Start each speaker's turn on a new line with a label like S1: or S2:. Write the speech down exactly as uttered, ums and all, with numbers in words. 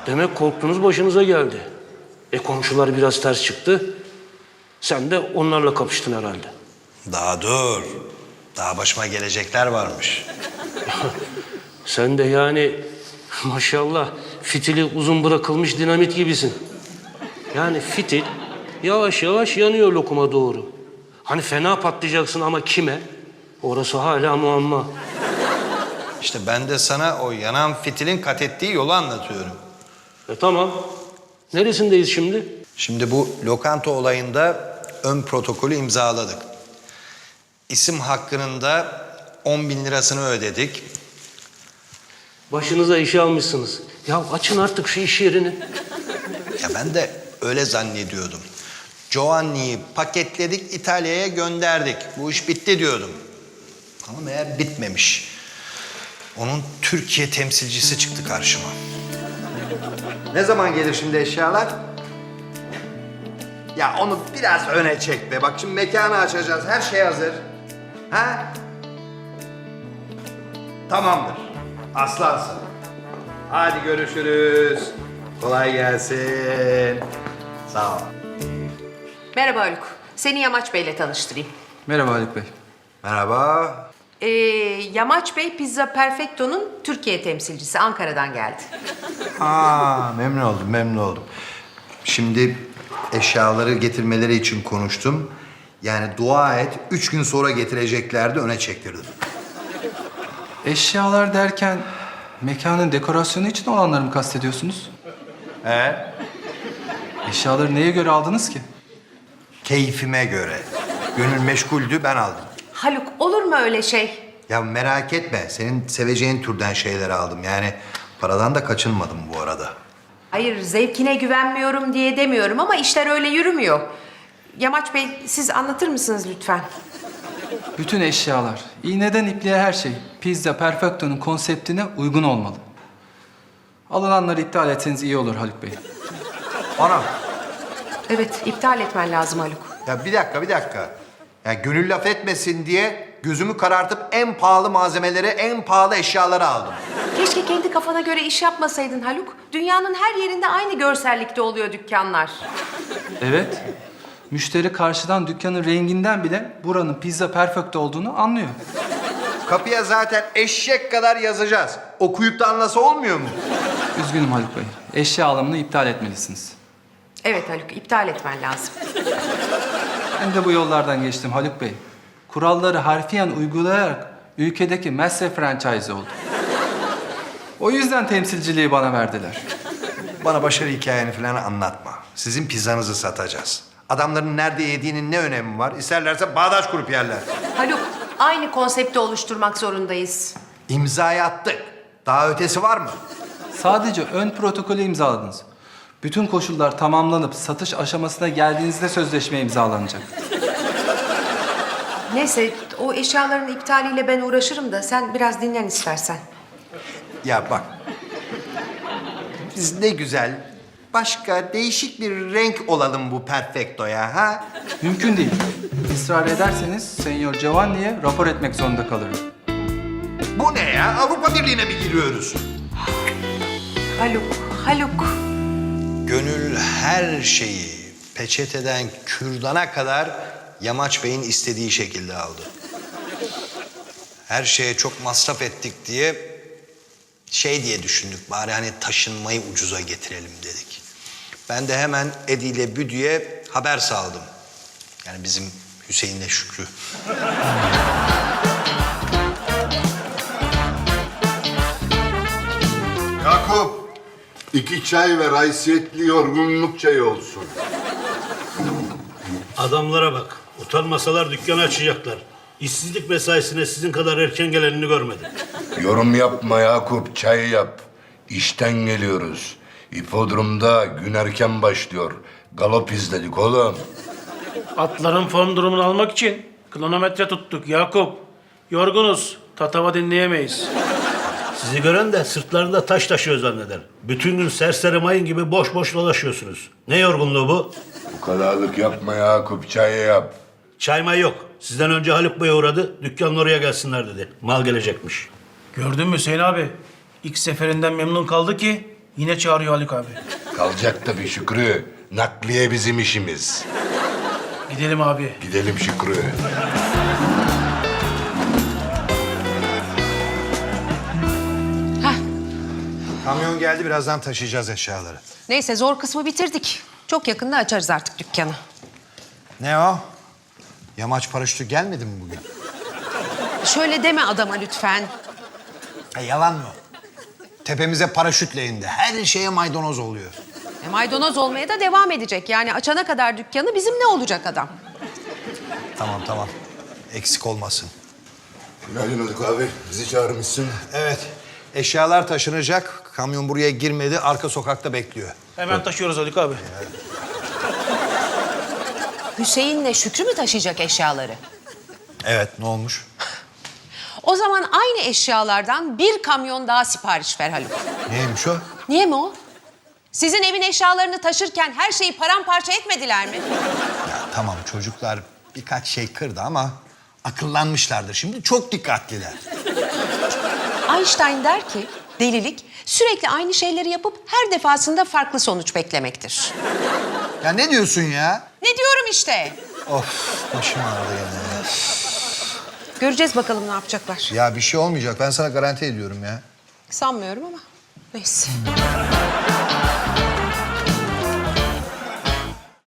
S1: Demek korktunuz başınıza geldi. E komşular biraz ters çıktı. Sen de onlarla kapıştın herhalde.
S2: Daha dur. Daha başıma gelecekler varmış.
S1: Sen de yani maşallah fitili uzun bırakılmış dinamit gibisin. Yani fitil yavaş yavaş yanıyor lokuma doğru. Hani fena patlayacaksın ama kime? Orası hala muamma.
S2: İşte ben de sana o yanan fitilin kat ettiği yolu anlatıyorum.
S1: E tamam. Neresindeyiz şimdi?
S2: Şimdi bu lokanta olayında ön protokolü imzaladık. İsim hakkının da on bin lirasını ödedik.
S1: Başınıza işi almışsınız. Ya açın artık şu iş yerini.
S2: Ya ben de öyle zannediyordum. Giovanni'yi paketledik, İtalya'ya gönderdik. Bu iş bitti diyordum. Ama meğer bitmemiş. Onun Türkiye temsilcisi çıktı karşıma.
S3: Ne zaman gelir şimdi eşyalar? Ya onu biraz öne çek be. Bak şimdi mekanı açacağız. Her şey hazır. Ha? Tamamdır. Aslansın. Hadi görüşürüz. Kolay gelsin. Sağ ol.
S4: Merhaba Haluk. Seni Yamaç Bey'le tanıştırayım.
S5: Merhaba Haluk Bey.
S3: Merhaba.
S4: Ee, Yamaç Bey Pizza Perfecto'nun Türkiye temsilcisi. Ankara'dan geldi.
S3: Aa, memnun oldum, memnun oldum. Şimdi eşyaları getirmeleri için konuştum. Yani dua et, üç gün sonra getireceklerdi, öne çektirdim.
S5: Eşyalar derken mekanın dekorasyonu için olanları mı kastediyorsunuz?
S3: He?
S5: Eşyaları neye göre aldınız ki?
S3: Keyfime göre. Gönül meşguldü, ben aldım.
S4: Haluk olur mu öyle şey?
S3: Ya merak etme, senin seveceğin türden şeyler aldım. Yani paradan da kaçınmadım bu arada.
S4: Hayır zevkine güvenmiyorum diye demiyorum ama işler öyle yürümüyor. Yamaç Bey siz anlatır mısınız lütfen?
S5: Bütün eşyalar, iğneden ipliğe her şey Pizza Perfecto'nun konseptine uygun olmalı. Alınanları iptal etseniz iyi olur Haluk Bey.
S3: Ana,
S4: Evet iptal etmen lazım Haluk.
S3: ya bir dakika, bir dakika. Ya gönül laf etmesin diye gözümü karartıp en pahalı malzemeleri, en pahalı eşyaları aldım.
S4: Keşke kendi kafana göre iş yapmasaydın Haluk. Dünyanın her yerinde aynı görsellikte oluyor dükkanlar.
S5: Evet, müşteri karşıdan dükkanın renginden bile buranın Pizza Perfecto olduğunu anlıyor.
S3: Kapıya zaten eşek kadar yazacağız. Okuyup da anlasa olmuyor mu?
S5: Üzgünüm Haluk Bey, eşya alımını iptal etmelisiniz.
S4: Evet Haluk iptal etmen lazım.
S5: Ben de bu yollardan geçtim Haluk Bey. Kuralları harfiyen uygulayarak ülkedeki master franchise oldu. O yüzden temsilciliği bana verdiler.
S3: Bana başarı hikayeni falan anlatma. Sizin pizzanızı satacağız. Adamların nerede yediğinin ne önemi var? İsterlerse bağdaş kurup yerler.
S4: Haluk aynı konsepti oluşturmak zorundayız.
S3: İmzayı attık. Daha ötesi var mı?
S5: Sadece ön protokolü imzaladınız. Bütün koşullar tamamlanıp satış aşamasına geldiğinizde sözleşme imzalanacak.
S4: Neyse o eşyaların iptaliyle ben uğraşırım da sen biraz dinlen istersen.
S3: Ya bak. Biz ne güzel başka değişik bir renk olalım bu Perfecto'ya ha?
S5: Mümkün değil. Israr ederseniz Senyor Giovanni'ye rapor etmek zorunda kalırım.
S3: Bu ne ya? Avrupa Birliği'ne mi giriyoruz?
S4: Haluk, Haluk.
S2: Gönül her şeyi peçeteden kürdana kadar Yamaç Bey'in istediği şekilde aldı. Her şeye çok masraf ettik diye şey diye düşündük. Bari hani taşınmayı ucuza getirelim dedik. Ben de hemen Edi ile Büdü'ye haber saldım. Yani bizim Hüseyin'le Şükrü.
S6: Yakup, iki çay ve haysiyetli yorgunluk çayı olsun.
S7: Adamlara bak. Utanmasalar dükkanı açacaklar. İşsizlik mesaisine sizin kadar erken gelenini görmedim.
S6: Yorum yapma Yakup, çay yap. İşten geliyoruz. İpodromda gün erken başlıyor. Galop izledik oğlum.
S1: Atların form durumunu almak için kronometre tuttuk Yakup. Yorgunuz. Tatava dinleyemeyiz.
S7: Sizi gören de sırtlarında taş taşıyor zanneder. Bütün gün serseri mayın gibi boş boş dolaşıyorsunuz. Ne yorgunluğu bu?
S6: Bu kadarlık yapma Yakup, çay yap.
S7: Çay may yok. Sizden önce Haluk Bey uğradı. Dükkanın oraya gelsinler dedi. Mal gelecekmiş.
S8: Gördün mü Hüseyin abi? İlk seferinden memnun kaldı ki Yine çağırıyor Haluk abi.
S6: Kalacak tabii Şükrü. Nakliye bizim işimiz.
S8: Gidelim abi.
S6: Gidelim Şükrü.
S2: Kamyon geldi, birazdan taşıyacağız eşyaları.
S4: Neyse zor kısmı bitirdik. Çok yakında açarız artık dükkanı.
S2: Ne o? Yamaç paraşütü gelmedi mi bugün?
S4: Şöyle deme adama lütfen.
S2: E, yalan mı? Tepemize paraşütle indi. Her şeye maydanoz oluyor.
S4: E, maydanoz olmaya da devam edecek. Yani açana kadar dükkanı bizim ne olacak adam?
S2: Tamam tamam. Eksik olmasın.
S6: Günaydın Haluk abi. Bizi çağırmışsın.
S2: Evet. Eşyalar taşınacak. Kamyon buraya girmedi. Arka sokakta bekliyor.
S8: Hemen taşıyoruz Haluk abi.
S4: Hüseyin'le Şükrü mü taşıyacak eşyaları?
S2: Evet, ne olmuş?
S4: O zaman aynı eşyalardan bir kamyon daha sipariş ver Haluk.
S2: Neymiş o?
S4: Niye mi o? Sizin evin eşyalarını taşırken her şeyi paramparça etmediler mi?
S2: Ya tamam, çocuklar birkaç şey kırdı ama akıllanmışlardır. Şimdi çok dikkatliler.
S4: Einstein der ki delilik sürekli aynı şeyleri yapıp her defasında farklı sonuç beklemektir.
S2: Ya ne diyorsun ya?
S4: Ne diyorum işte.
S2: Of, başım ağrıdı gene.
S4: Göreceğiz bakalım ne yapacaklar.
S2: Ya bir şey olmayacak. Ben sana garanti ediyorum ya.
S4: Sanmıyorum ama neyse.